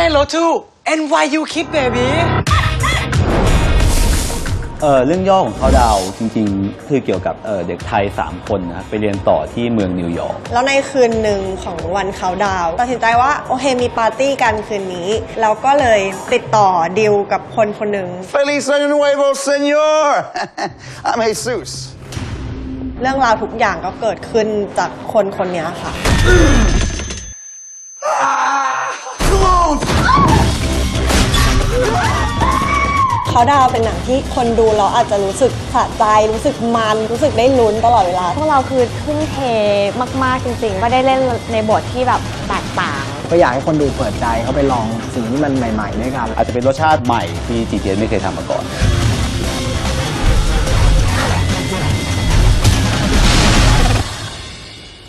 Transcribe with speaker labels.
Speaker 1: Hello to NYU Kid Baby
Speaker 2: เรื่องย่อของเขาดาวจริงๆคือเกี่ยวกับเด็กไทย3คนนะไปเรียนต่อที่เมืองนิวยอร์ก
Speaker 3: แล้วในคืนหนึ่งของวันเขาดาวตัดสินใจว่าโอเคมีปาร์ตี้กันคืนนี้แล้วก็เลยติดต่อดิวกับคนคนหนึ่ง
Speaker 4: Feliz Año Nuevo, señor. I'm Jesus.
Speaker 3: เรื่องราวทุกอย่างก็เกิดขึ้นจากคนคนนี้ค่ะเขาดาวเป็นหนังที่คนดูเราอาจจะรู้สึกสะใจรู้สึกมันรู้สึกได้ลุ้นตลอดเวลา
Speaker 5: พวกเราคือทุ่มเทมากๆจริงๆว่าได้เล่นในบทที่แบบแตกต่าง
Speaker 6: ก็อยากให้คนดูเปิดใจเขาไปลองสิ่งที่มันใหม่ๆด้วยกัน
Speaker 2: อาจจะเป็นรสชาติใหม่ที่จีเจไม่เคยทำมาก่อน